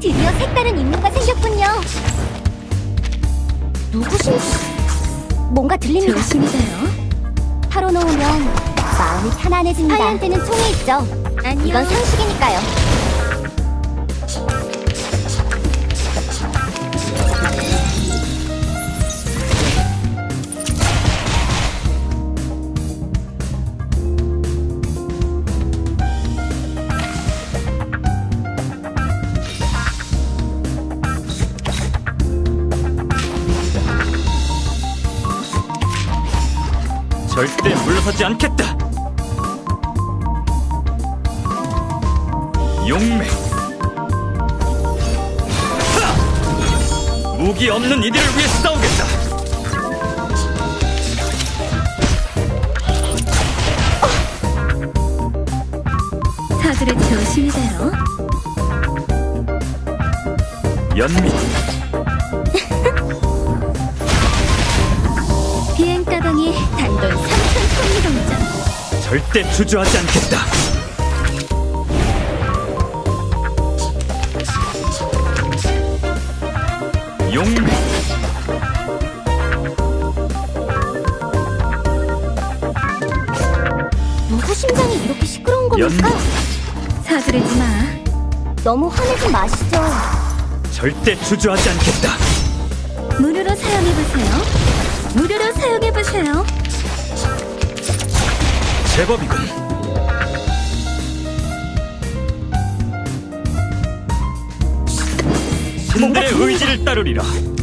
드디어 색다른 임무가 생겼군요. 누구신지 뭔가 들립니다. 조심히 가요. 털어놓으면 마음이 편안해집니다. 하이한테는 총이 있죠. 안녕. 이건 상식이니까요. 절대 물러서지 않겠다. 용맹. 하! 무기 없는 이들을 위해 싸우겠다. 사들의 조심히 가요. 연민. 비행 가방이 단돈 3,000톤이 동전. 절대 주저하지 않겠다. 용맹. 누구 심장이 이렇게 시끄러운 겁니까? 사들이지 마. 너무 화내지 마시죠. 절대 주저하지 않겠다. 무료로 사용해보세요. 무료로 사용해보세요. 제법이군. 신들의 의지를 따르리라.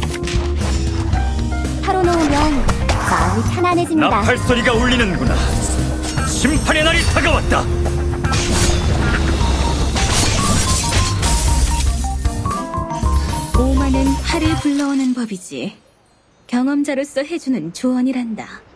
털어놓으면 마음이 편안해집니다. 나팔 소리가 울리는구나. 심판의 날이 다가왔다. 오만은 화를 불러오는 법이지. 경험자로서 해주는 조언이란다.